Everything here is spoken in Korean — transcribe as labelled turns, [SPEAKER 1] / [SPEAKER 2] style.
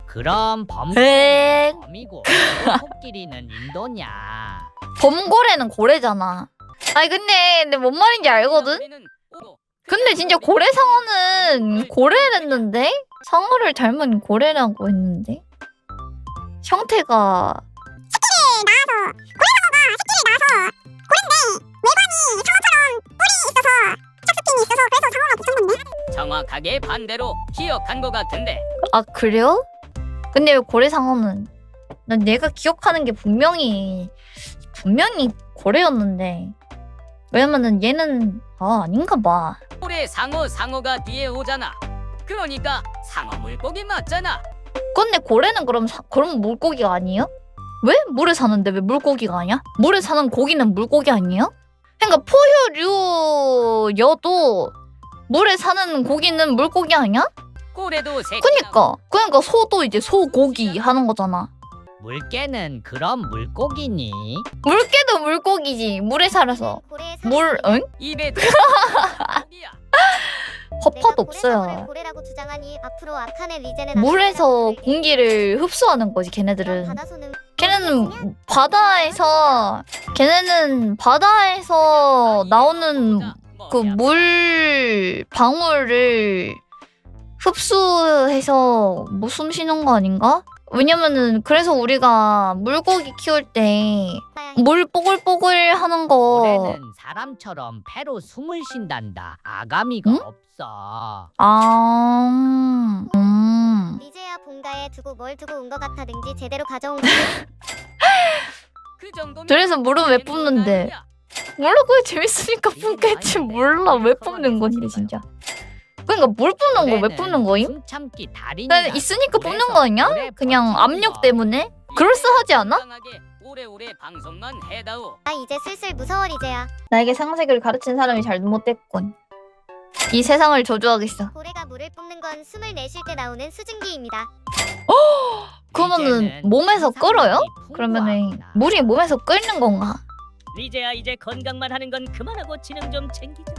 [SPEAKER 1] 그럼
[SPEAKER 2] 엥.
[SPEAKER 1] 범이고 코끼리는 인도냐?
[SPEAKER 2] 범고래는 고래잖아. 아니 근데 뭔 말인지 알거든? 근데 진짜 고래 상어는 고래랬는데? 상어를 닮은 고래라고 했는데? 형태가
[SPEAKER 1] 정확하게 반대로 기억한 것 같은데.
[SPEAKER 2] 아 그래요? 근데 왜 고래 상어는 난 내가 기억하는 게 분명히 고래였는데 왜냐면은 얘는 아닌가 봐.
[SPEAKER 1] 올해 상어가 뒤에 오잖아. 그러니까 상어 물고기 맞잖아.
[SPEAKER 2] 근데 고래는 그럼 물고기가 아니에요? 왜? 물에 사는데 왜 물고기가 아니야? 물에 사는 고기는 물고기 아니에요? 그러니까 포유류여도 물에 사는 고기는 물고기 아니야?
[SPEAKER 1] 고래도 새.
[SPEAKER 2] 그러니까 소도 이제 소고기 하는 거잖아.
[SPEAKER 1] 물개는 그럼 물고기니?
[SPEAKER 2] 물개도 물고기지. 물에 살아서. 응?
[SPEAKER 1] 입에
[SPEAKER 2] 허파도 없어요.
[SPEAKER 3] 고래라고 주장하니 앞으로 아칸의 리젠의
[SPEAKER 2] 물에서 공기를 흡수하는 거지 걔네들은. 걔네는 바다에서 나오는 그 물 방울을 흡수해서 뭐 숨 쉬는 거 아닌가? 왜냐면은 그래서 우리가 물고기 키울 때 물 뽀글뽀글 하는 거
[SPEAKER 1] 고래는 사람처럼 폐로 숨을 쉰단다. 아가미가
[SPEAKER 2] 응?
[SPEAKER 1] 없어.
[SPEAKER 3] 리제야 본가에 두고 뭘 두고 온 것 같아든지 제대로 가져온
[SPEAKER 1] 그 정도면
[SPEAKER 2] 그래서 물은 왜 뿜는데? 몰라 그게 재밌으니까 뿜겠지. 몰라 왜 뿜는 건데 진짜. 그러니까 물 뿜는 거 왜 뿜는 거임?
[SPEAKER 1] 숨참기 달인이다.
[SPEAKER 2] 그냥 있으니까 뿜는 거 아니야? 그냥 압력 때문에? 그럴싸하지 않아?
[SPEAKER 1] 오래오래 방송만 해다오.
[SPEAKER 3] 나 이제 슬슬 무서워 리제야.
[SPEAKER 2] 나에게 상색을 가르친 사람이 잘못됐군. 이 세상을 저주하겠어.
[SPEAKER 3] 고래가 물을 뿜는 건 숨을 내쉴 때 나오는 수증기입니다.
[SPEAKER 2] 그러면은 몸에서 끓어요? 그러면은 물이 몸에서 끓는 건가?
[SPEAKER 1] 리제야 이제 건강만 하는 건 그만하고 지능 좀 챙기자.